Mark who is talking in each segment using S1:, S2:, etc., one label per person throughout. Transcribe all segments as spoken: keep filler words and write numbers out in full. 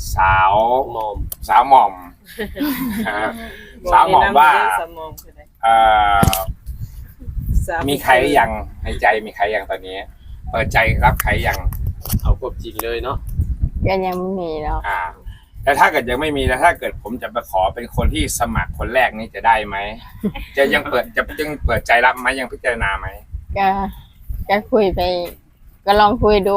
S1: สาว
S2: หมอม
S1: สาวหม่อมสาวหม่อมว่าเอ่อมีใครยังในใจมีใครยังตอนนี้เปิดใจรับใครยัง
S2: เอาควบจริงเลยเนาะ
S3: ก็ยังไม่มีแล้ว
S1: อ่าแล้วถ้าเกิดยังไม่มีแล้วถ้าเกิดผมจะไปขอเป็นคนที่สมัครคนแรกนี่จะได้ไหมจะยังเปิดจะยังเปิดใจรับไหมยังพิจารณาไหม
S3: ก็ก็คุยไปก็ลองคุยดู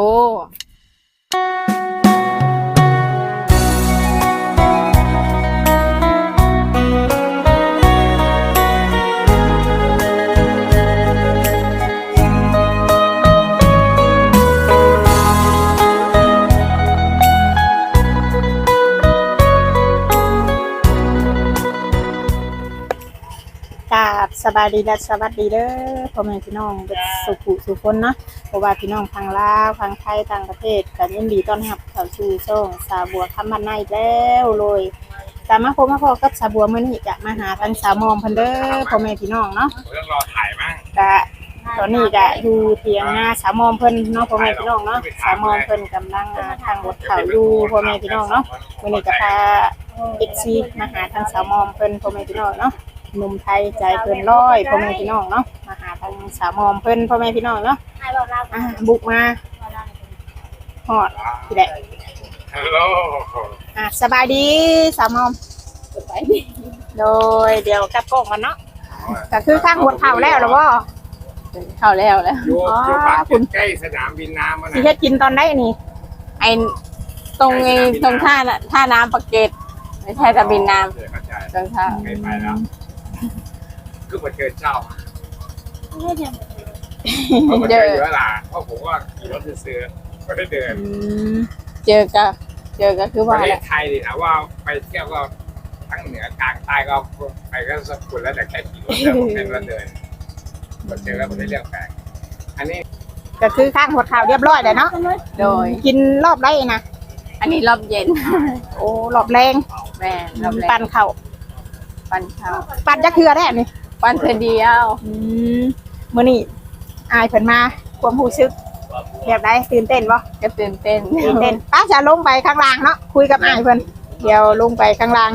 S3: สบายดีและสวัสดีเด้อพ่อแม่พี่น้องสุขุสุขคนเนาะเพราะว่าพี่น้องทางลาวทางไทยต่างประเทศกันยินดีต้อนรับเข้าสู่ช่องสาวบัวคำบ้านในแล้วเลยตามมาพบมาพอกับสาวบัวมื้อนี้จะมาหาทางสาวมอมเพิ่นเด้อพ่อแม่พี่น้องเนาะ
S1: ต้องรอถ่ายมั้ง
S3: ก็ตอนนี้ก็อยู่เถียงนาสาวมอมเพิ่นเนาะพ่อแม่พี่น้องเนาะสาวมอมเพิ่นกำลังทางรถเขาอยู่พ่อแม่พี่น้องเนาะมื้อนี้ก็พา เอฟ ซี มาหาทางสาวมอมเพิ่นพ่อแม่พี่น้องเนาะหนุ่มไทยใจเพิ่นร้อยพ่อแม่พี่น้องเนาะมาหาทางสาวมอมเพิ่นพ่อแม่พี่น้องเนาะอ่าบุกมาฮอดพี่แหละ
S1: ฮัลโหล
S3: อ่าสบายดีสาวมอมสบายดีโดยเดี๋ยวกลับกล้องกันเนาะก็คือข้างหัวเข่าแล้วหรือบ่เข่าแล้วแล้ว
S1: อยู่อยู่ปากคุณใกล้สนามบินน้ำมั้ย
S3: สิเฮ็ดกินตอนไหนนี่ไอ้ตรงไอ้ตรงท่าน่ะท่าน้ำปากเกร็ดไม่ใช่ตะบินน้ำตรงท่า
S1: ไปไปแล้วคือมาเจอเจ้าไม่เจอเขามาเจอเยอะล่ะเพราะผมว่าขี่รถซื้อไม่ได้เดิน
S3: เจอก็เจอก็คือว่า
S1: ประเทศไทยดินะว่าไปเที่ยวก็ทั้งเหนือกลางใต้ก็ไปก็สกุลแล้วแต่แค่ขี่รถแต่ผมเป็นรถเดินมาเจอแล้วผมได้เรื่องแปลกอันนี้
S3: ก็คือข้างหัวข่าวเรียบร้อยเลยเนาะโดยกินรอบไรนะอันนี้รอบเย็นโอ้รอบแรงแม่รอบแรงปั่นเข่าปั่นเข่าปั่นจะคืออะไรนี่ปั่นเธอเดียวอืมมื้อนี้อายเพิ่นมาความรู้สึกแบบใดตื่นเต้นบ่ก็ตื่นเต้นตื่นเต้นป้าจะลงไปข้างล่างเนาะคุยกับอายเพิ่นเดี๋ยวลงไปข้างล่าง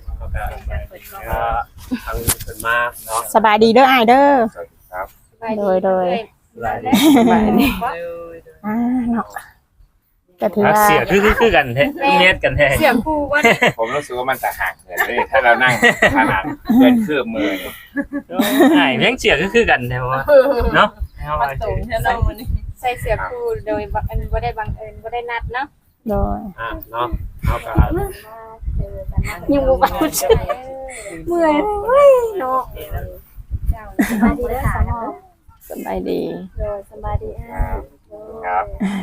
S2: ทางเพิ่นมาเนาะ
S3: สบายดีเด้ออายเด้อ
S1: ครับ
S3: โดยโดยสบายดีสบายดีอ่าเนาะ
S2: ก็ถือว่าเสียคือคือกันแท้เน็ตกันแท้
S3: เสียกูว่า
S1: ผมรู้สึกว่ามันจะห่างเกินเลยถ้าเรานั่งขนาดเกินคืบมือ
S2: ไอ้เลี้ยงเสียคือคือกันแท้ว่าเนาะ
S3: ใส่เสียกูโดยบ่ได้บังเอิญบ่ได้นัดเนาะโดย
S2: อ่ะเนาะเฮาก็
S3: ยังบ่บ่เมื่อยเฮ้ยเนาะสบายดีเด้อสาวสบายดีโดยสบายดี
S1: ครับ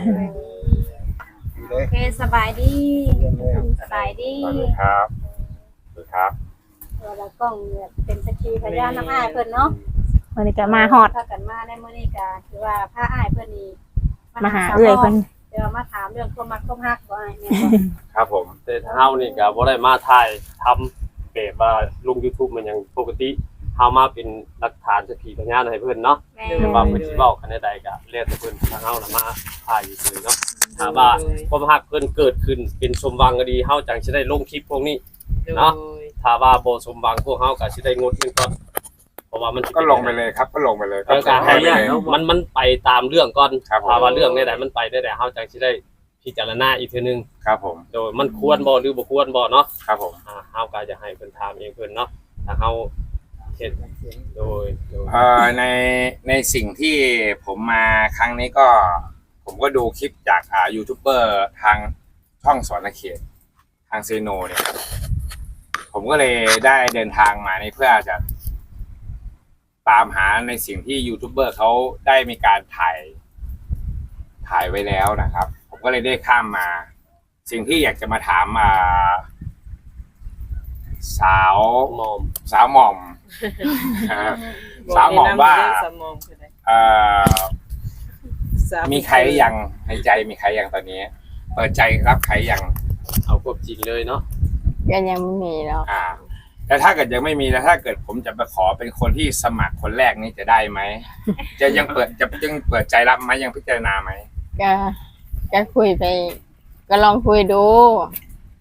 S3: โอเคสบายดีสบายดี
S1: ครับสวัสดีครับ
S3: เรากล้องเป็นสักขีพยานน้ำอ้ายเพิ่นเนาะมื้อนี้ก็มาฮอดถ้ากันมาได้มื้อนี้ก็ถือว่าพาอ้ายเพิ่นนี่มาหาเอื้อยเพิ่นเดี๋ยวมาถามเรื่องความมักความฮักบ่อ้ายแม่นบ่
S1: ครับผม
S2: แต่เฮานี่ก็บ่ได้มาถ่ายทำแบบว่าลง YouTube มันยังปกติเฮามาเป็นหลักฐานสักขีพยานให้เพิ่นเนาะแต่ว่าเพิ่นสิเว้ากันได้ใดก็แล้วแต่เพิ่นทางเฮาน่ะมาถ่ายอยู่ซื่อเนาะถ้าว่าความฮักเพิ่นเกิดขึ้นเป็นสมหวังก็ดีเฮาจังสิได้ลงคลิปพวกนี้เนาะถ้าว่าบ่สมหวังพวกเฮาก็สิได้งดนึงก่อนเพราะว่ามัน
S1: ก็ลงไปเลยครับก็ลงไปเลย
S2: ก็ให้มันมันไปตามเรื่องก่อนถ้าว่าเรื่องใดๆมันไปได้แต่เฮาจังสิได้พิจารณาอีกทีนึง
S1: ครับผม
S2: โดยมันควรบ่หรือบ่ควรบ่เนาะ
S1: ครับผม
S2: อ่าเฮาก็จะให้เพิ่นถามเองเพิ่นเนาะถ้าเฮาเฮ็ดโดย
S1: เอ่อในในสิ่งที่ผมมาครั้งนี้ก็ผมก็ดูคลิปจากอ่ายูทูบเบอร์ทางช่องสอนเขตทางเซโนเนี่ยผมก็เลยได้เดินทางมาในเพื่อจะตามหาในสิ่งที่ยูทูบเบอร์เขาได้มีการถ่ายถ่ายไว้แล้วนะครับผมก็เลยได้ข้ามมาสิ่งที่อยากจะมาถามอ่าสาว
S2: หมอม
S1: สาวหม่อมสาวหม่อมว่าเอ่อมีใครยังในใจมีใครยังตอนนี้เปิดใจรับใครยัง
S2: เอาควบจริงเลยเนาะ
S3: ก็ยังไม่มีแล้ว
S1: อ่าแต่ถ้าเกิดยังไม่มีแล้วถ้าเกิดผมจะไปขอเป็นคนที่สมัครคนแรกนี่จะได้ไหมจะยังเปิดจะยังเปิดใจรับไหมยังพิจารณาไหม
S3: ก็ก็คุยไปก็ลองคุยดู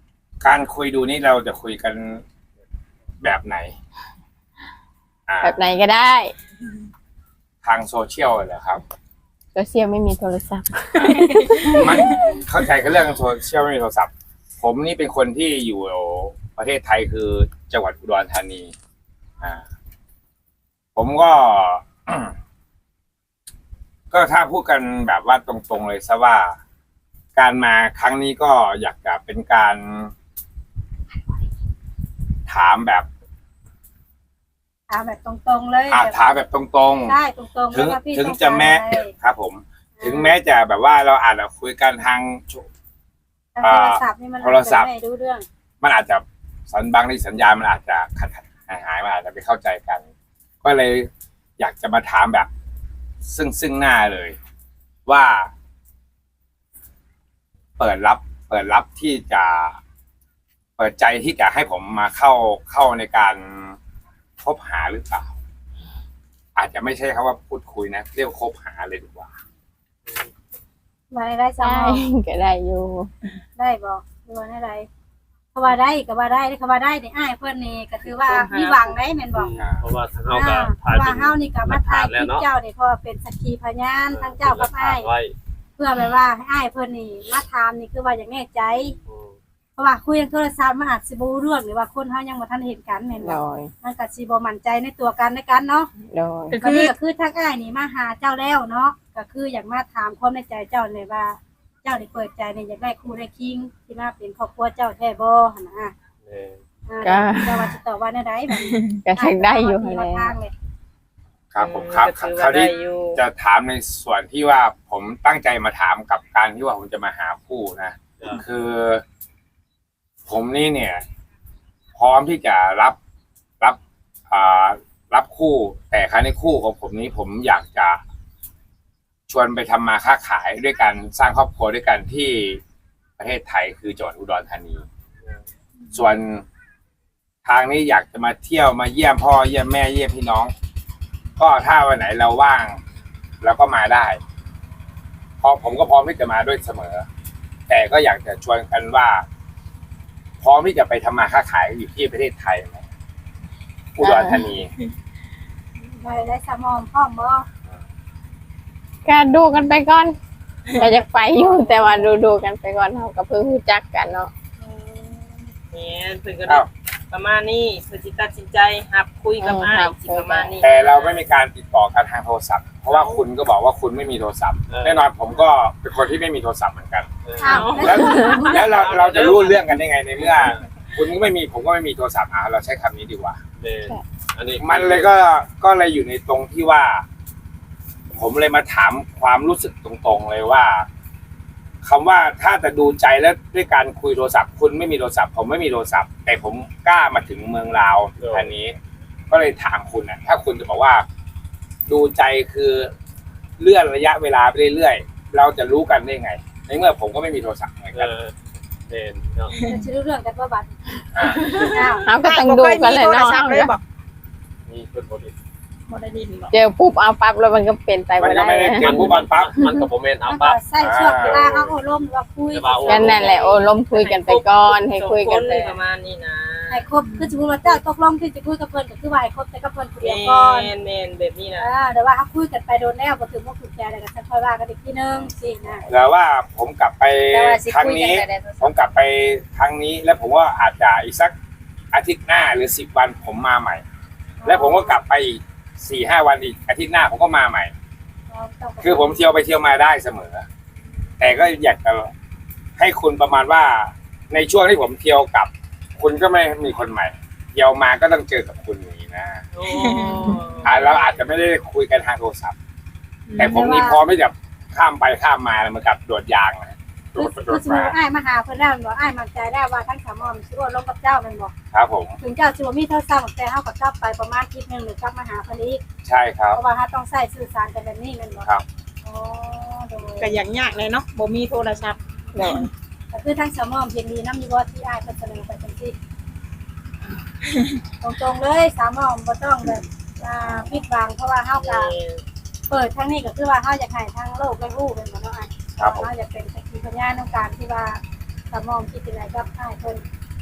S1: การคุยดูนี่เราจะคุยกันแบบไหนอ่า
S4: แบบไหนก็ได้
S1: ทางโซเชียลเหรอครับ
S4: โซเชียลไม่มีโทรศัพท์
S1: มันเข้าใจกันเรื่องโซเชียลไม่มีโทรศัพท์ ผมนี่เป็นคนที่อยู่ประเทศไทยคือจังหวัดอุดรธานี อ่า ผมก็ ก็ถ้าพูดกันแบบว่าตรงๆเลยซะว่า การมาครั้งนี้ก็อยากจะเป็นการถามแบบ
S5: ถามแบบตรงๆเลย
S1: อาถามแบบตรงๆ
S5: ได้ตรงๆ
S1: ถึง
S5: ว่าพี่
S1: ถึง
S5: ต้อง
S1: จะแม้
S5: การอะไร
S1: ครับผม ถึงแม้จะแบบว่าเราอาจจะคุยกันทาง
S5: ทางโทรศัพท์นี่มัน
S1: โทรศัพท์
S5: ไม่รู้เรื่อง
S1: มันอาจจะสัญบางในสัญญาณมันอาจจะขัดขัดหายหายๆมันอาจจะไม่เข้าใจกัน ก็เลยอยากจะมาถามแบบ ซึ่งซึ่งหน้าเลย ว่า เปิดรับ เปิดรับที่จะ เปิดใจที่จะให้ผมมาเข้าเข้าในการคบหาหรือเปล่า อาจจะไม่ใช่คำว่าพูดคุยนะเรียกว่าคบหาเลยดีกว่า
S5: มาได้สม
S4: ได้
S5: อง
S4: ก็ได้อยู่
S5: ได้บอกดูว่าได้เขาว่าได้ก็ว่าได้เขาว่าได้ในอ้ายเพื่อนนี่ก็คือว่ามีหวังได้แม่นบอก
S2: เพราะว่าทาง
S5: อ่า
S2: เฮาก็
S5: เพ
S2: ถ่าย
S5: ราะ
S2: เป็
S5: ว่าน เฮานี่ก็มาถ่ายคลิป
S2: แล้วเนาะ
S5: เจ้านี่เพราะว่าเป็นสักขีพยานทั้งเจ้ากับอ้าย
S2: ไว้
S5: เพื่อแบบว่าให้อ้ายเพื่อนนี่มาถามนี่คือว่าอย่างแน่ใจ
S2: อืม
S5: เพราะว่าคุยทางโทรศัพท์มันอาจสิบ่รู้เรื่องหรือว่าคนเฮายังบ่ทันเห็นกันแม่น
S4: โด
S5: บ่
S4: ย
S5: มันก็สิบ่มั่นใจในตัวกันในกันเนาะ
S4: โดย
S3: ก็
S5: ก็
S3: คือ
S5: นี่ก็คือทางอ้ายนี่มาหาเจ้าแล้วเนาะก็คืออยากมาถามความในใจเจ้าเลยว่า เจ้าได้เปิดใจในอยากได้คู่ได้คิงที่มาเป็นครอบครัวเจ้าแท้บ่หั่นน่ะ
S2: แม่น
S5: อ่าเจ้าว่าสิตอบว่าแนวใดบัดนี้
S4: ก็ชักได้อยู่
S5: อ้า
S4: แล้ว
S5: ก็ทางเลย
S1: ครับผมครับ
S6: ก็ถือ
S1: คราว
S6: ว่าได้
S1: นี้
S6: อยู่
S1: จะถามในส่วนที่ว่าผมตั้งใจมาถามกับการที่ว่าผมจะมาหาคู่นะ
S2: จ้ะ
S1: คือ ผมนี่เนี่ย พร้อมที่จะรับรับอ่ารับคู่ แต่ครั้งในคู่ของผมนี้ผมอยากจะชวนไปทำมาค้าขายด้วยกันสร้างครอบครัวด้วยกันที่ประเทศไทยคือจังหวัดอุดรธานี ส่วนทางนี้อยากจะมาเที่ยวมาเยี่ยมพ่อเยี่ยมแม่เยี่ยมพี่น้อง ก็ถ้าวันไหนเราว่างเราก็มาได้เพราะผมก็พร้อมที่จะมาด้วยเสมอ แต่ก็อยากจะชวนกันว่า พร้อมที่จะไปทำมาค้าขายอยู่ที่ประเทศไทยไหมอุดรธานี
S5: ได้ได้สมองพร้อมบ่
S4: ก็ดูกันไปก่อนก็จะไปอยู่แต่ว่าดูดูๆกันไปก่อนเราก็เพิ่งรู้จักกันเนาะ
S6: เนี่ยเพิ่นก็
S1: ครับ
S6: ประมาณนี้เพิ่นสิตัดสินใจรับคุยกับอ้ายสิประมาณนี้
S1: แต่เราไม่มีการติดต่อกันทางโทรศัพท์ เพราะว่าคุณก็บอกว่าคุณไม่มีโทรศัพท์ แน่นอนผมก็เป็นคนที่ไม่มีโทรศัพท์เหมือนกัน
S2: เออ
S5: อ้าว
S1: แล้วแล้วเราเราจะรู้เรื่องกันได้ไงในเมื่อ คุณก็ไม่มีผมก็ไม่มีโทรศัพท์อ่ะเราใช้คำนี้ดีกว่า
S2: แม่นอันนี้
S1: มันเลยก็ก็เลยอยู่ในตรงที่ว่า ผมเลยมาถามความรู้สึกตรงๆเลยว่าคำว่าถ้าจะดูใจแล้วด้วยการคุยโทรศัพท์ คุณไม่มีโทรศัพท์ ผมไม่มีโทรศัพท์ แต่ผมกล้ามาถึงเมืองลาวอันนี้ ก็เลยถามคุณนะถ้าคุณจะบอกว่า ดูใจคือเลื่อนระยะเวลาไปเรื่อยๆเราจะรู้กันได้ไง ในเมื่อผมก็ไม่มีโทรศัพท์เหมือน
S2: เอ
S1: กัน
S2: อแม่นเนาะ
S5: จะรู้เรื่องกันบ่บัด
S1: อ่า
S5: อ้าว
S4: เราก็ต้องดูกันเลย
S3: โทร
S4: เนาะ
S3: ศัพท์เลยบอก
S2: มีเพิ่นบ่ได้
S3: บ่ได้ยินบอก
S4: เจอปุ๊บเอาปั๊บแล้วมันก็เป็นไป
S1: มัน
S4: ไม่
S1: ก็
S4: ได้
S1: ไม่ได้เจอผู้บันปั๊บ
S2: มันก็บ่แม่นเอา
S5: มัน
S2: ปั๊บ
S5: ก็ใส่ช่วงเวลาเฮาโอ้ร่มหรือว่าคุย
S2: แต่ว่าโอ้
S4: กันนั่นแหละโอ้ล้มคุยกันไปก่อนให้คุยกันไป
S6: สองคประมาณนี้นะ
S5: ให้ครบคือสมมุติว่าเจ้าตกลงที่จะคุยกับเพิ่นก็คือว่าให้ครบแต่กับเพิ่นผู้เดียว
S6: แม่
S5: ก่อน
S6: นแม่นแบบนี้นะ
S5: อ่าเดี๋ยวว่าเขาคุยกันไปโดนแล้วบ่ถึงบ่ถูกใจแล้วก็จะค่อยว่ากันอีกทีนึงสินะ
S1: แต่ว่าผมกลับไป
S5: แต่ว่าสิ
S1: ครั้ง
S5: คุยกัน
S1: นี้
S5: แต่ได้โทร
S1: ผ
S5: ศัพ
S1: ม
S5: ท์
S1: กลับไปครั้งนี้ แล้วผมว่าอาจจะอีกสักอาทิตย์หน้าหรือสิบวันผมมาใหม่ แล้วผมก็กลับไปอีกสี่ห้าวันอีกอาทิตย์หน้าผมก็มาใหม่ คือผมเที่ยวไปเที่ยวมาได้เสมอ แต่ก็อยากจะให้คุณประมาณว่าในช่วงที่ผมเที่ยวกลับ คุณก็ไม่มีคนใหม่เที่ยวมาก็ต้องเจอกับคุณอย่างนี้นะ
S6: โอ้
S1: อ่าเราอาจจะไม่ได้คุยกันทางโทรศัพท์ แต่ผมนี่พร้อมที่จะข้ามไปข้ามมาเหมือนกับโดดยางนะโด
S5: คือ
S1: ดไปโด
S5: คือ
S1: ด
S5: สมมุ
S1: มา
S5: ติว่าอ้ายมาหาเพิ่นแล้วบ่อ้ายมั่นใจได้ว่าทั้งสามอมสิโอนลงกับเจ้าแม่นบ่
S1: ครับผม
S5: ถึงเจ้าสิบ่มีโทรศัพท์แต่เฮาก็กลับไปประมาณอาทิตย์นึงหรือกลับมาหาเพิ่นอีก
S1: ใช่ครับ
S5: เพราะว่าเฮาต้องใช้สื่อสารกันแบบนี้แม่นบ่
S1: ครับ
S5: อ๋อโดย
S3: ก็อย่างยากเลยเนาะบ่มีโทรศัพท์
S4: โดย
S5: ก็คือทั้งสามอมเพียงดีนำอยู่บ่ที่อ้ายเพิ่นเสนอไปจังซี่ตรงๆเลยสามอมบ่ต้องแบบอ่าปิดบังเพราะว่าเฮาก็ เปิดทั้งนี้ก็คือว่าเขาอยากให้ทั้งโลกได้รู้เป็นบ่เนาะอ้าย
S1: ครับผม
S5: เขาอยากเป็นสักขีพยานในการที่ว่าสมองคิดยังไงกับอ้ายเพิ่น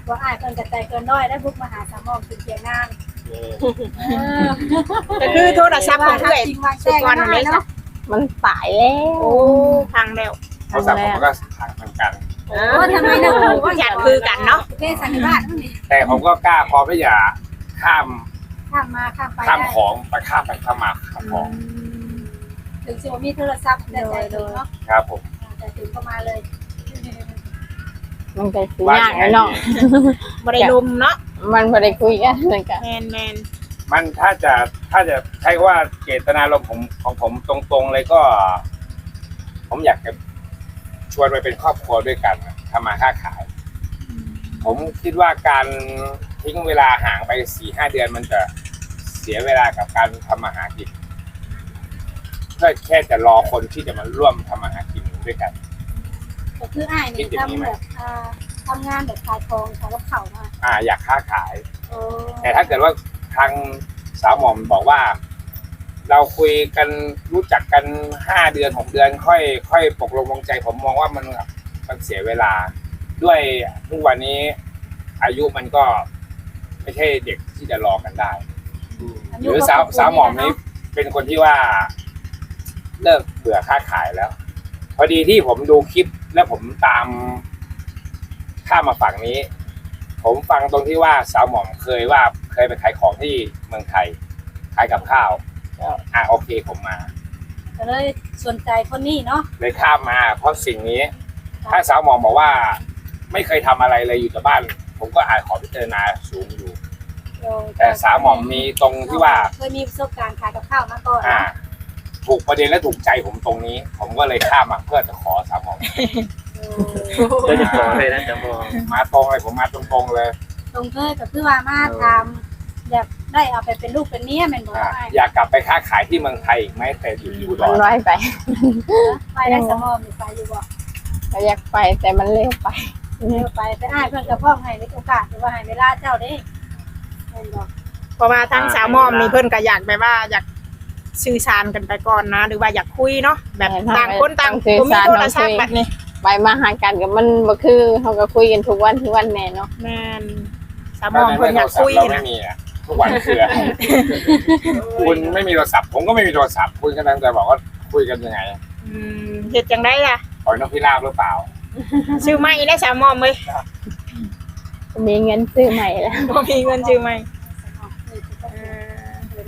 S5: ว่าอ้ายเพิ่นกระจายเกินน้อยได้บุกมาหาสามหมอมถึงเถียงนานเออ
S3: ก็คือโทรศัพท์ของเอื้อย
S5: จริงวางแจ้งกันได้เนาะ
S4: มันตายแล้ว
S3: โอ้พังแล้ว
S1: โทรศัพท์ผมก็พังเหมือนกัน
S5: โอ้ทำไมนะครูว่า
S3: อยากคือกันเนาะ
S5: เทศสันนิบาตนั่นนี่
S1: แต่ผมก็กล้าพอไม่อย่าข้าม
S5: ข้ามมาข้ามไป
S1: ข้าม
S5: ได้
S1: ของไปข้ามไปข้ามมาข้ามของ
S5: ถึงสิว่ามีโทรศัพท์แต่ใจถึงเนาะ
S1: ครับผม
S5: แต่ถึงก็มาเลย
S4: มันก็สิยากแล้วเนาะ
S3: บ่ได้ลมเนาะ
S4: มันบ่ได้คุยกันเลยก็
S3: แมนแมน
S1: มันถ้าจะถ้าจะใช้ว่าเจตนารมณ์ผมของผมตรงๆเลยก็ ผมอยากจะชวนไปเป็นครอบครัวด้วยกันทำมาค้าขาย ผมคิดว่าการทิ้งเวลาห่างไปสี่ห้าเดือนมันจะเสียเวลากับการทำมาหากินเพื่อแค่จะรอคนที่จะมาร่วมทำมาหากินด้วยกัน
S5: ก็คืออ้ายนี่ทำแบบอ่าทำงานแบบขายของขายกับข้าวมา
S1: อ่า อยากค้าขาย
S5: โอ้
S1: แต่ถ้าเกิดว่าทางสาวหม่อมบอกว่า เราคุยกันรู้จักกันห้าเดือนหกเดือน ค่อย ค่อยตกลงวงใจ ผมมองว่ามันมันเสียเวลา ด้วยทุกวันนี้ อายุมันก็ไม่ใช่เด็กที่จะรอกันได้ หรือสาวสาวหม่อมนี้เป็นคนที่ว่าเลิกเบื่อค้าขายแล้ว พอดีที่ผมดูคลิปแล้วผมตามข้ามมาฝั่งนี้ ผมฟังตรงที่ว่าสาวหม่อมเคยว่าเคยไปขายของที่เมืองไทยขายกับข้าวอ่ะโอเคผมมา
S5: ก็เลยสนใจคนนี้เนาะ
S1: เลยข้ามมา เพราะสิ่งนี้ ถ้าสาวหม่อมบอกว่า ไม่เคยทำอะไรเลยอยู่แต่บ้าน ผมก็อาจขอพิจารณาสูงอยู่ แต่สาวหม่อมมีตรงที่ว่า
S5: เคยมีประสบการณ์ขายกับข้าวมาก่อน
S1: อ่า ถูกประเด็นและถูกใจผมตรงนี้ ผมก็เลยข้ามมาเพื่อจะขอสาวหม่อม
S2: ได้จะขอเลยนะจะมอง
S1: มาตรงเลยผมมาตรงๆเลย
S5: ตรงเคยก็คือว่ามาทำแบบได้เอาไปเป็นลูกเป็นเมียแม่นบ่
S1: อ่า
S5: ได้
S1: อยากกลับไปค้าขายที่เมืองไทยอีกไหมแต่อยู่ที่อุด
S4: มัน
S1: ร
S4: น้อยไป
S5: ไปได้สมอมไปอยู่บ่
S4: ก็อยากไปแต่มันเร็วไป
S5: เร็วไปไปอ้ายเพิ่นก็พร้อมให้ในโอกาสหรือว่าให้เวลาเจ้าเด้แม่นบ่
S3: เพราะว่าทั้งสาวหมอมนี่เพิ่นก็อยากแบบว่าอยากสื่อสารกันไปก่อนนะ หรือว่าอยากคุยเนาะแบบต่างคนต่างบ่มีโทรศัพท์แบบนี้
S4: ไปมาหากันกับมันบ่คือเขาก็คุยกันทุกวันทุกวันแน่เนาะ
S3: แม่นสาวหมอมเพิ่นอยากคุย
S1: เรา
S3: นะ
S1: ไม่มีอ่ะทุกวันคืออะไรคุณไม่มีโทรศัพท์ผมก็ไม่มีโทรศัพท์คุณกำลังจะบอกว่าคุยกันยังไง
S3: อืมเฮ็ดจังได๋ล่ะ
S1: ปล่อยนกพิราบหรือเปล่า
S3: ซื้อใหม่ได้สาวหมอมเอ้ย
S4: มีเงินซื้อใหม่แล้ว
S3: บ่มีเงินซื้อใหม่เออ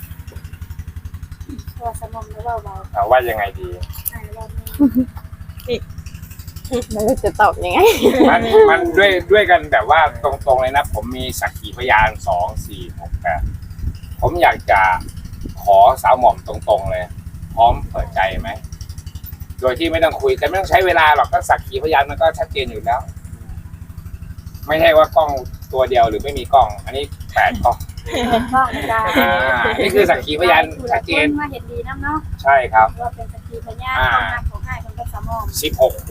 S5: ตัวสมอมแล้วเว้าเบา
S1: เอาว่ายังไงดี
S5: อ้ายเว้า
S4: ไม่รู้จะตอบยังไง
S1: มันมันด้วยด้วยกันแบบว่าตรงๆเลยนะ ผมมีสักขีพยานสองสี่หกแปดผมอยากจะขอสาวหม่อมตรงๆเลย พร้อมเปิดใจไหมโดยที่ไม่ต้องคุยแต่ไม่ต้องใช้เวลาหรอกก็สักขีพยานมันก็ชัดเจนอยู่แล้ว ไม่ใช่ว่ากล้องตัวเดียวหรือไม่มีกล้อง อันนี้แปดกล้อง
S5: บ้องได้
S1: อ่านี่คือสักขีพยานชัดเจน
S5: มาเห็นดีนำเนาะ
S1: ใช่ครับ
S5: ว่าเป็นสักขีพยานความรักของอ้ายเพิ่นกับสมอม
S1: สิบหกหู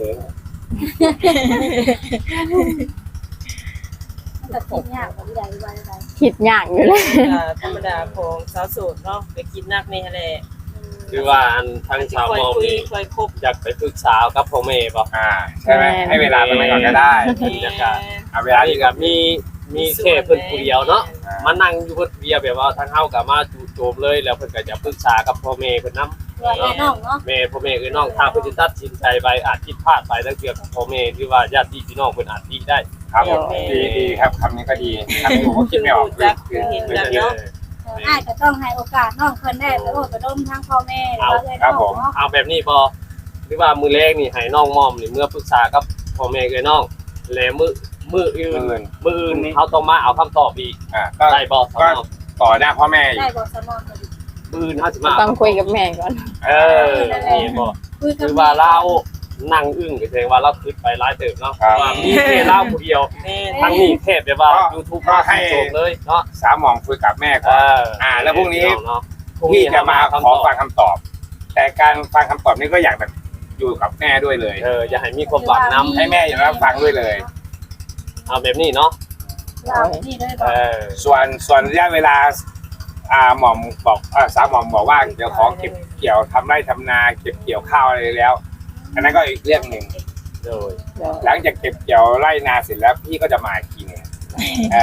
S5: มันก็คิดยากกว่าที่ใดว่าใด
S4: คิดยากอยู่เลย
S6: อ่าธรรมดาของสาวโสดเนาะไปกินนักนี่แหละ
S2: คือว่าอันทางชาว
S6: ค่อย
S2: มอง
S6: คุย
S2: นี่
S6: ค่อยคบ
S2: อยากไปปรึกษากับพ่อแม่บ่
S1: อ่าใช่ไหมให้เวลาตรงนั้นก่อนก็ได้
S2: บรรยากาศ
S1: เอาเว
S2: อั
S1: ลาน ที่
S2: นี้
S1: กั
S2: ก็
S1: บ
S2: มีมีแค่เพิ่นผู้เดียวเนาะ
S1: อ่า
S2: มานั่งอยู่เพิ่นผู้เดียวแบบว่าทางเฮาก็มาจู่โจมเลยแล้วเพิ่นก็จะปรึกษากับพ่อแม่เพิ่นนำ
S5: ว่าแน่น้องเนาะ
S2: แม่พ่อแม่เอ้ยน้องถ้าเพิ่นสิตัดสินใจไปอาจผิดพลาดไปแล้วเกี่ยวกับพ่อแม่ที่ว่าญาติพี่น้องเพิ่นอาจดีได้
S1: ครับผมดีดีครับคำนี้ก็ดีคำนี้ผมก็คิดไม่ออก
S6: รู้จักคือเห็นกันเนาะ
S5: อ้ายก็ต้องให้โอกาสน้องเพิ่นได้ไปโอ้ไปร่มทั้งพ่อแม่แล้วก็เลยน้องเนาะ
S2: เอาแบบนี้บ่หรือว่ามือแรกนี่ให้น้องมอมนี่เมื่อปรึกษากับพ่อแม่เอ้ยน้องแล้วมือมืออื่น
S1: เงิน
S2: มืออื่นเขาต้องมาเอาคำตอบอีก
S1: อ่าก็
S2: ได้บ่สำหรับ
S1: ต่อหน้าพ่อแม่อีก
S5: ได้บอกสมองก็ดี
S2: มืออื่นเขาสิมา
S4: ต้องคุยกับแม่ก่อน
S2: เออนี่บ่
S5: คุยกั
S2: คื
S5: บ
S2: อว่าเรานั่งอึ้งก็แสดงว่าเราคิดไปหลายเติบเนาะว่ามีแค่เราผู้เดียว
S6: แม่
S2: ทั้งนี้แทบแบบว่า YouTube มาให้โจมเลยเนาะ
S1: สามหมองคุยกับแม่
S2: เอ
S1: ก่อน
S2: อ
S1: อ่าแล้วพรุ่งนี้
S2: เนาะ
S1: พี่จะมาขอฟังคำตอบ แต่การฟังคำตอบนี้ก็อยากแบบอยู่กับแม่ด้วยเลย
S2: เอออย่าให้มีความหวังนำ
S1: ให้แม่อย่างนั้นฟังด้วยเลย
S2: เอาแบบนี้เนาะ
S5: เรานี่เลยบ
S2: เอ
S5: อก
S2: อ
S1: ส่วนส่วนระยะเวลา อ่าหม่อมบอกอ่าสามหม่อมบอกว่าเดี๋ยวขอเก็บเกี่ยวทำไร่ทำนาเก็บเกี่ยวข้าวอะไรแล้ว อันนั้นก็อีกเรื่องหนึ่ง
S2: โดย
S4: เดี๋ยว
S1: หลังจากเก็บเกี่ยวไร่นาเสร็จแล้วพี่ก็จะมาอีกทีหนึงอ่า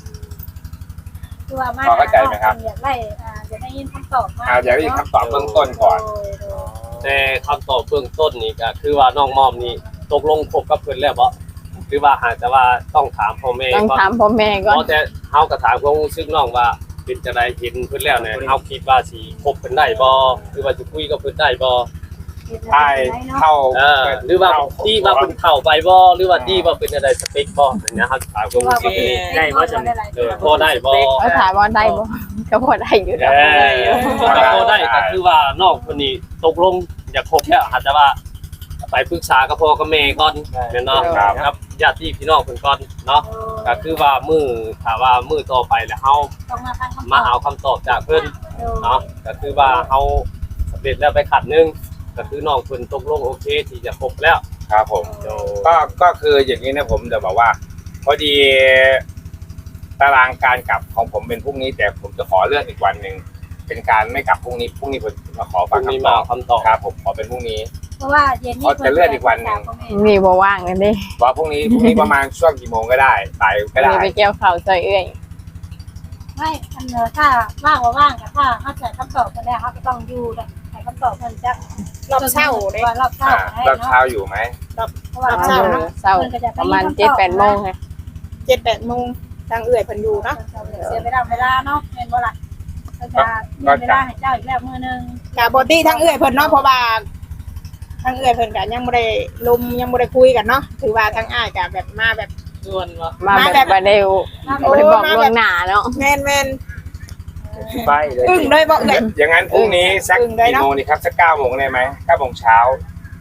S5: คือว่ามา
S1: พอเข้าใจไหมครับ
S5: อยากได้อ่าอยากได้ยินคำตอบมา
S1: อาอยากได้ยินคำตอบเบื้องต้นก่อน
S5: โดยโดย
S2: แต่คำตอบเบื้องต้นนี่ก็คือว่าน้องมอมนี่ตกลงคบกับเพิ่นแล้วบ่หรือว่าหากแต่ว่าต้องถามพ่อแม่
S4: ต้อง
S2: ก่อน
S4: ถามพ่อแม่ก่อน
S2: เพราะแต่เฮาก็ถามความรู้สึกน้องว่าเป็นจังไดเห็นเพิ่นแล้วเนี่ยเฮาคิดว่าสิคบเพิ่นได้บ่หรือว่าสิคุยกับเพิ่นได้บ่
S1: ใช่เข้า
S2: เออหรือว่าที่ว่าเพิ่นเข้าไปบ่หรือว่าที่ว่าเป็นอะไรสเปคบ่อย่างเงี้ยครับถามความรู้สึก
S6: ได้บ่จัง
S2: เออพอได้บ่
S4: เขาถามว่าได้บ่ก็พอได้อยู่
S2: เอ
S4: แล้ว
S2: อถ้าพอได้ก็คือว่าน้องคนนี้ตกลงอยากคบแล้วอาจจะว่าไปปรึกษากับพ่อกับแม่ก่อนแม่นเนาะครับญาติพี่น้องเพิ่นก่อนเนาะก็คือว่ามื้อถ้าว่ามื้อต่อไปแล้วเฮา
S5: ต้องมาฟังคำตอบ
S2: มาเอาคำตอบจากเพิ่น
S5: โดย
S2: เนาะก็คือว่าเฮาสำเร็จแล้วไปขัดหนึงก็คือน้องเพิ่นตกลงโอเคที่จะคบแล้ว
S1: ครับผม
S2: โด
S1: ก็ก็คืออย่างนี้นะผมจะบอกว่า พอดีตารางการกลับของผมเป็นพรุ่งนี้ แต่ผมจะขอเลื่อนอีกวันหนึ่งเป็นการไม่กลับพรุ่งนี้พรุ่งนี้ผมมาขอ
S2: พ
S1: ฟั
S2: รุ่
S1: ง
S2: งนี้
S1: คำต
S2: มา
S1: อบ
S2: คำตอบ
S1: ครับผมขอเป็นพรุ่งนี้
S5: เพราะว่าเย็นนี้
S1: เขาจะเลื่อนอีกวันหนึ่ง
S4: มีบ่ว่างกันดิ
S1: ว่าพรุ่งนี้พรุ่งนี้ประมาณช่วงกี่โมงก็ได้บ่ายก็ได้
S4: มีไปเกี่ยวข้าวซอยเอื้อย
S5: ไม่อันเนอถ้าว่างว่าว่างกับถ้าเขาใส่คำตอบกันแล้วเขาก็ต้องอยู่ให้คำตอบมันจะ
S3: รอบเช้าเด้
S5: ว่ารอบเช้า
S1: อ่า
S5: ให้
S1: ตอน
S5: เนาะ
S1: เช้าอยู่ไหม
S5: เพราะว่า
S3: เช้า
S5: เช้า
S3: เนาะ
S4: เช้าประมาณเจ็ดแปดโมงค่ะ
S3: เจ็ดแปดโมงทางเอื้อยเพิ่นอยู่เนาะ
S5: เสียเวลาเวลาเนาะเป็นบ่ล่ะก็จะมีเวลาให้เจ้าอีกแล้วมื้อนึง
S3: กะบ่ตี้ทางเอื้อยเพิ่นเนาะเพราะว่าทางเอื้อยเพิ่นก็ยังบ่ได้ลมยังบ่ได้คุยกันเนาะถือว่าทางอ้ายก็แบบมาแบบ
S6: ส่วนว่า
S4: มาแบบบ่ได้บ่ได้บอกล่วงหน้าเนาะ
S3: แม่นแม่น
S1: ไปเลย
S3: อึ้งเลยบ่เอื้อย
S1: อย่างนั้นพรุ่งนี้สัก
S3: อึ้งเลย
S1: กี่
S3: เนอะ
S1: โมงดีครับสักเก้าโมงได้ไหมเก้าโมงเช้า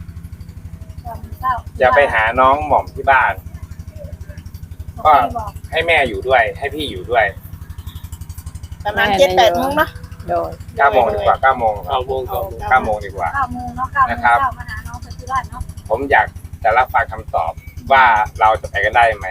S1: จะไปหาน้องหม่อมที่บ้าน ก็ให้แม่อยู่ด้วย ให้พี่อยู่ด้วย
S3: ประมาณเจ็ดแปดโมงเนาะ
S4: โดย
S1: เก้าโมงดีกว่าเก้าโมงครั
S2: เก้า
S1: บ
S2: โมงเก้าโมง
S1: เก้าโมงดีกว่า
S5: เก้าโมงเนาะเก้าโมง
S1: นะครับ
S5: เช้ามาหาน้องที่บ้านเนาะ
S1: ผมอยากจะรับฟังคำตอบว่าเราจะไปกันได้ไหม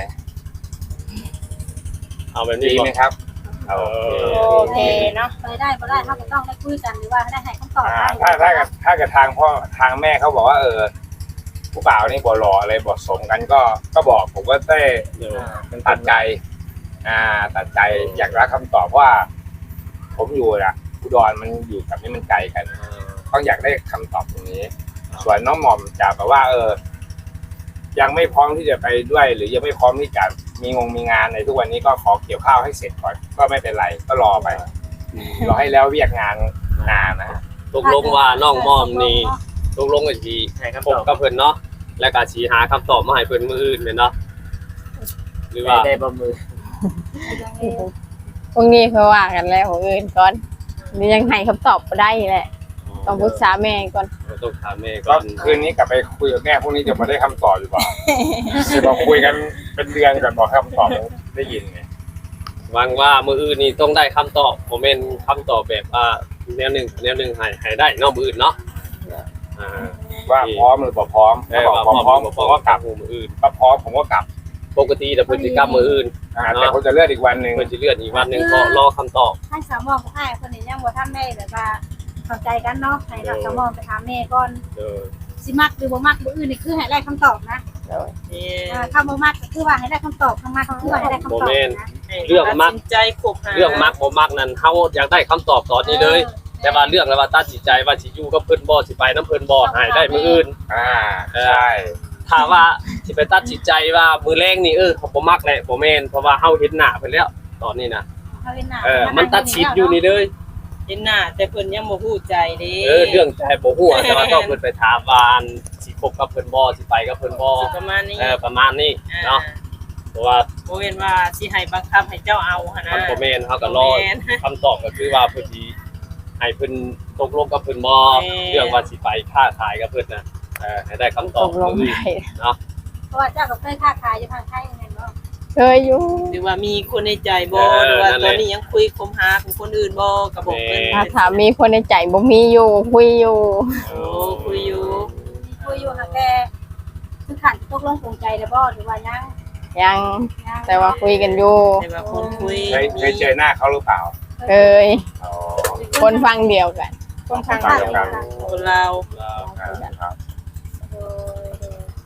S2: เอาแบบ
S1: ดี
S2: นี้บ่
S1: ไหมครับ
S2: เออ
S3: โอเคเนาะ
S5: ไปได้บ่ได้เขาก็ต้องได้คุยกันหรือว่าได้ให้คำตอบ
S1: อ่าถ้าถ้ากับถ้ากับทางพ่อทางแม่เขาบอกว่า เออผู้บ่าวนี่บ่หล่ออะไรบ่สมกันก็ก็บอกผมก็ได้
S2: เดี๋ยว
S1: เป็นตัดใจ อ่า ตัดใจอยากรับคำตอบว่า ผมอยู่อะอุดรมันอยู่กับนี่มันไกลกันต้องอยากได้คำตอบตรงนี้ ส่วนน้องหม่อมจะแบบว่า เออ ยังไม่พร้อมที่จะไปด้วย หรือยังไม่พร้อมที่จะมีงงมีงานในทุกวันนี้ก็ขอเกี่ยวข้าวให้เสร็จก่อนก็ไม่เป็นไรก็รอไปรอให้แล้วเวียกงานนานนะ
S2: ตกลงว่าน้องมอมนี่ตกลงกันสิ
S6: ให้คำ
S2: พ
S6: ต
S2: บ
S6: อบ
S2: กับเพิ่นเนาะแล้วก็สิหาคำตอบมาให้เพิ่นมื้ออื่นแม่นเนาะหรือว่า
S6: ได้บ่มือ
S4: พรุ่งนี้ค่อยว่ากันแล้วของอื่นก่อนนี่ยังให้คำตอบบ่ได้แหละ ต้องปรึกษาแม่ก่อน
S2: ต้องถามแม่ก่
S1: ก็
S2: อน
S1: คืนนี้กลับไปคุยกับแม่พรุ่งนี้จะมาได้คำตอบหรือเปล่า จะบอกคุยกันเป็นเดือนก่อนบอกคำตอบได้ยินไง
S2: หวังว่ามื้ออื่นนี่ต้องได้คำตอบบ่แม่นคำตอบแบบว่าแนวหนึงแนวหนึงให้ให้ได้เนาะมื้ออื่นเนาะอ่า
S1: ว่าพร้อมหรือบ่พร้อม
S2: เอ
S1: ถ้า
S2: อ
S1: บอก
S2: ว่า
S1: พร้อม
S2: บ่
S1: ผมก็กลับ
S2: มื้ออื่น
S1: ถ้าพร้อมผมก็กลับ
S2: ปกติแต่เพิ่นสิกลับมื้ออื่น
S1: อ่าแต่ผมจะเลื่อนอีกวันหนึ่ง
S2: เพิ่นสิเลื่อนอีกวันหนึงก็รอคำตอบ
S5: ให้สามมองให้คนนี้ยังบ่ทันได้แบบว่าเข้าใจกันเนาะให้เราสามมองไปถามแม่ก่อน
S2: เออ
S5: สิมักหรือบ่มักมื้ออื่นนี่คือให้ได้คำตอบนะ
S6: นี่
S5: อ่าถ้าบ่มักก็คือว่าให้ได้คำตอบข้างมาก็คือว่าให้ได้คำตอบนะ
S2: เรื่องมัก
S6: ตัดสินใจคบหา
S2: เรื่องมักบ่มักนั้นเฮาอยากได้คำตอบตอนนี้เลย แต่ว่าเรื่องแล้วว่าตัดสินใจว่าสิอยู่กับเพิ่นบ่สิไปน้ำเพิ่นบ่ให้ได้มื้ออื่น
S1: อ่าใช่
S2: ถ้าว่าสิไปตัดสินใจว่ามื้อแรงนี่เออเขาบ่มักแหละบ่แม่นเพราะว่าเฮาเห็นหน้าเพิ่นแล้วตอนนี้นะ
S5: เขาเห็นหน้า
S2: เออมันตัดสินอยู่นี่เลย
S6: เห็นหน้าแต่เพิ่นยังบ่ฮู้ใจเด้
S2: เออเรื่องใจบ่ฮู้อะแต่ว่าต้องเพิ่นไปถามว่าอันสิคบกับเพิ่นบ่สิไปกับเพิ่นบ่
S6: สิประมาณนี้
S2: เออประมาณนี้
S6: อ่า
S2: เนาะเพราะว่า
S6: บ่แม่นว่าสิให้บังคับให้เจ้าเอาหั่น
S2: มัน
S6: นะ
S2: บ่แม่นเฮาก็รอ
S6: บ่แม่น
S2: คำตอบก็คือว่าเพิ่นสิให้เพิ่นตกลงกับเพิ่นบ่
S6: แม่น
S2: เรื่องว่าสิไปค้าขายกับเพิ่นน่ะเออให้ได้คำต
S4: ต
S2: อบ
S4: กลง
S2: มื้อ
S4: ได้
S2: อื่นเนาะ
S5: เพราะว่าเจ้าก็เคยค้าขายอยู่ทางไทยแม่นบ่
S4: เคยอยู่
S6: หรือว่ามีคนในใจบ่หรือว่าตอนนี้ยังคุยคบหากับคนอื่นบ่ก็บอกเพิ่น
S4: ถ้าถามมีคนในใจบ่มีอยู่คุยอยู่
S6: โอ้คุยอยู่
S5: คุยอยู่หาแต่คือขันตกลงปลงใจแล้วบ่หรือว่ายัง
S4: ยัง
S5: ยัง
S4: แต่ว่าคุยกันอยู่
S6: แต่ว่าคนคุย
S1: เคยเคยเจอหน้าเขาหรือเปล่า
S4: เคย
S1: อ๋อ
S4: คนฟังเดียวกัน
S3: คนทาง
S1: ฟัง
S3: เดี
S1: เดี
S3: ย
S1: ยว ว
S3: กั
S1: กัน น
S6: คนลาว
S1: ครับ
S5: โดยโดย
S1: ก็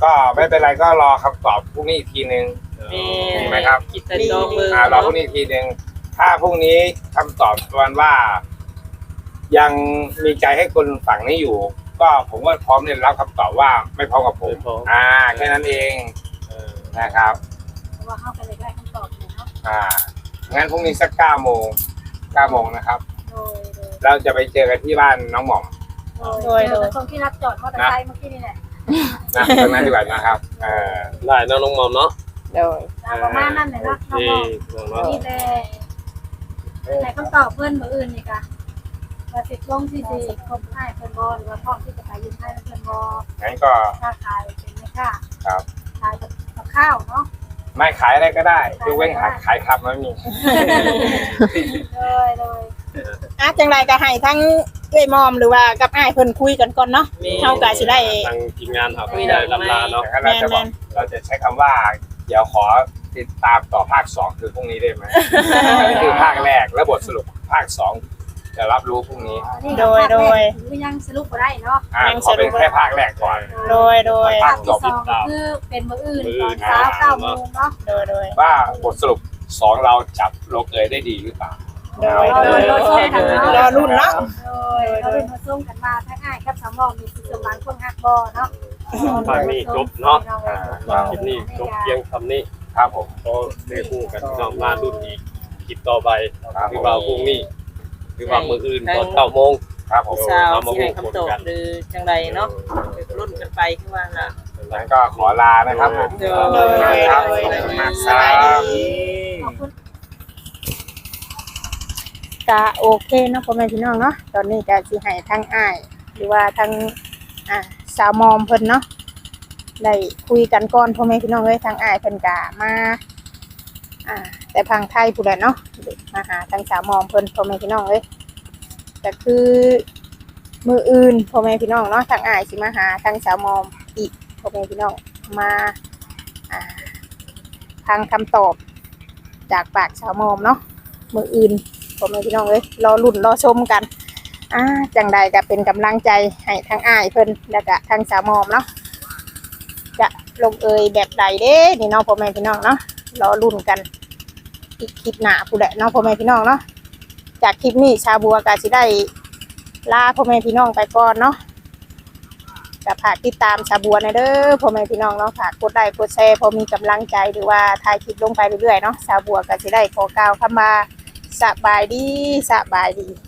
S1: ก็ไม่เป็นไรก็รอคำตอบพรุ่งนี้อีกทีนึง
S6: แม่
S1: มีไหมครับ
S6: คิดแต่ดอกมือ
S1: อ่ารอพรุ่งนี้อีกทีนึงถ้าพรุ่งนี้คำตอบวันว่า ยังมีใจให้คนฝั่งนี้อยู่ ก็ผมก็พร้อมที่จะรับคำตอบว่าไม่พร้อมกับผม
S2: ไม่พร้อม
S1: อ่าแค่นั้นเอง
S2: เออ
S1: นะครับ
S5: เพราะว่าเข้าไปเลยได้คำตอบเลยเนาะ
S1: อ่างั้นพรุ่งนี้สักเก้าโมงเก้าโมงนะครับ
S5: โดยโดย
S1: เราจะไปเจอกันที่บ้านน้องหม่อม
S5: โดยโดยคนที่รับจอดมอเตอร์ไซค์เมื่อกี้นี่แหละ
S1: นะตรงนั้นดีกว่านะครับเออ
S2: ได้เนาะน้องหมอมเนาะ
S4: โดย
S5: ประมาณนั้นเลยเนาะน้อง
S2: ที่
S5: บอก
S2: น้องเนาะ
S5: นี่แหละแต่คำตอบเพื่อนมืออื่นนี่กะว่าสิบลงที่สี่ครบให้เพื่อนบอหรือว่าพ่อที่จะขายยืมให้เพื่อนบอ
S1: งั้นก็
S5: ค่าขายเป็นไม่ค่า
S1: ครับ
S5: ขายกับข้าวเนาะ
S1: ไม่ขายอะไรก็ได้ยกเว้นขายขายครับไม่มี
S5: โดยโดย
S3: อ่ะจังไรก็ให้ทั้งเอ้ยมอมหรือว่ากับอ้ายเพิ่นคุยกันก่อนเนาะเฮาก็สิได้
S2: ทางทีมงานเขาก็ได้ลำลาเนาะ
S1: แต่ถ้าเราจะบอกเราจะใช้คำว่า เดี๋ยวขอติดตามต่อภาคสองคือพรุ่งนี้ได้ไหม อันนี้คือภาคแรกแล้วบทสรุปภาคสองจะรับรู้พรุ่งนี้
S3: โดยโดย
S5: หรือยังสรุปบ่ได้เนาะ
S1: อ่าขอเป็นแค่ภาคแรกก่อน
S3: โดยโดย
S5: ภาคที่สองก็คือเป็นมืออื่นตอนเช้าเก้าโมงเนาะ
S3: โดยโดย
S1: ว่าบทสรุปสองเราจับลงเอยได้ดีหรือเปล่า
S3: โดย
S5: รอ
S3: โด
S5: รุ่
S3: ย
S5: นรอส้มกันเนาะ
S3: รอรุ่นเนาะ
S5: โดยเรารุ่นมาส้มกันมาทั้งง่ายครับสามมองมีสิสมานพวกฮักบอเนาะ
S2: ภาคนี้จบเนาะ
S1: อ่า
S2: คลิปนี้จบเพียงคำนี้
S1: ครับผม
S2: ก็ได้คู่กันน้องมารุ่นอีกคลิปต่อไป
S1: ครับ
S2: คือว่าพรุ่งนี้คือว่ามื้ออื่นตอนเก้าโมง
S1: ครับผม
S6: สาวที่ให้คำตอบหรือจังไรเนาะไปรุ่นกันไปคือว่าน่ะ
S1: งั้นก็ขอลานะครับผม
S6: โดย
S1: ครับ
S6: โดย
S1: ขอบคุณมากค
S3: สบาย
S1: รับ
S3: ดี
S5: ขอบคุณ
S3: ก็โอเคเนาะพ่อแม่พี่น้องเนาะตอนนี้ก็สิให้ทั้งอ้ายหรือว่าทั้งอ่าสาวมอมเพิ่นเนาะได้คุยกันก่อนพ่อแม่พี่น้องเอ้ยทั้งอ้ายเพิ่นก็มาอ่าแต่พังไทยผู้ใดเนาะมาหาทั้งสาวมอมเพิ่นพ่อแม่พี่น้องเอ้ยก็คือมืออื่นพ่อแม่พี่น้องเนาะทั้งอ้ายสิมาหาทั้งสาวมอมอีกพ่อแม่พี่น้องมาอ่าทางคำตอบจากปากสาวมอมเนาะมืออื่นพ่อแม่พี่น้องเอ้ยรอลุ้นรอชมกันอ่าจังใดก็เป็นกำลังใจให้ทั้งอ้ายเพิ่นแล้วก็ทั้งสาวมอมเนาะจะลงเอยแบบใดเด้นี่เนาะพ่อแม่พี่น้องเนาะรอลุ้นกันอีกคลิปหน้าผู้ใดเนาะพ่อแม่พี่น้องเนาะจากคลิปนี้ชาบัวก็สิได้ลาพ่อแม่พี่น้องไปก่อนเนาะก็ฝากติดตามชาบัวในเด้อพ่อแม่พี่น้องเนาะฝากกดไลค์กดแชร์พอมีกำลังใจหรือว่าถ่ายคลิปลงไปเรื่อยๆเนาะชาบัวก็สิได้ขอกล่าวคำว่าสบายดีสบายดี